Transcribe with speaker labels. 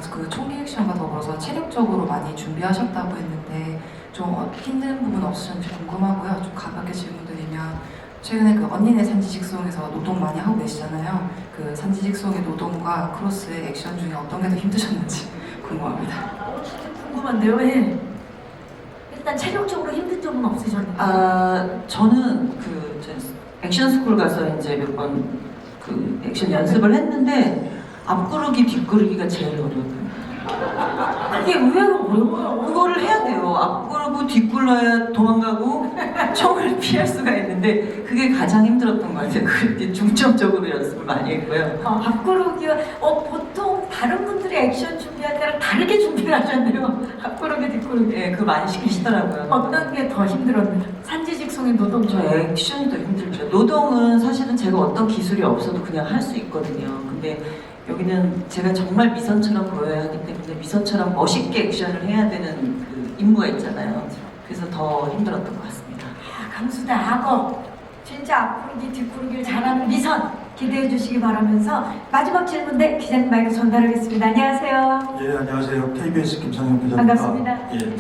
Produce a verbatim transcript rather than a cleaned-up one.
Speaker 1: 그 총기 액션과 더불어서 체력적으로 많이 준비하셨다고 했는데 좀 힘든 부분 없으셨는지 궁금하고요. 좀 가볍게 질문드리면 최근에 그 언니네 산지직송에서 노동 많이 하고 계시잖아요. 그 산지직송의 노동과 크로스의 액션 중에 어떤 게 더 힘드셨는지 궁금합니다.
Speaker 2: 어, 진짜 궁금한데요. 예. 일단 체력적으로 힘든 점은 없으셨나요?
Speaker 3: 아, 저는 그 이제 액션 스쿨 가서 이제 몇 번 그 액션 연습을 했는데 앞구르기 뒷구르기가 제일 어려워요.
Speaker 2: 그게 의외로 어려워요.
Speaker 3: 그거를 해야 돼요. 앞구르고 뒷굴러야 도망가고 총을 피할 수가 있는데 그게 가장 힘들었던 것 같아요. 그때 중점적으로 연습을 많이 했고요.
Speaker 2: 어, 앞구르기가 어, 보통 다른 분들이 액션 준비할 때랑 다르게 준비를 하셨네요. 앞구르기 뒷구르기.
Speaker 3: 예, 그거 많이 시키시더라고요.
Speaker 2: 어떤 게 더 힘들었나요? 산지직송의 노동
Speaker 3: 저
Speaker 2: 중에.
Speaker 3: 액션이 더 힘들죠. 노동은 사실은 제가 어떤 기술이 없어도 그냥 할 수 있거든요. 근데 여기는 제가 정말 미선처럼 보여야 하기 때문에 미선처럼 멋있게 액션을 해야 되는 그 임무가 있잖아요. 그래서 더 힘들었던 것 같습니다.
Speaker 2: 아, 강수다 악어. 진짜 앞구르기 뒷구르기를 잘하는 미선 기대해 주시기 바라면서 마지막 질문대 기자님 마이크 전달하겠습니다. 안녕하세요.
Speaker 4: 예, 안녕하세요. 케이비에스 김상현 기자입니다.
Speaker 2: 반갑습니다.
Speaker 4: 예.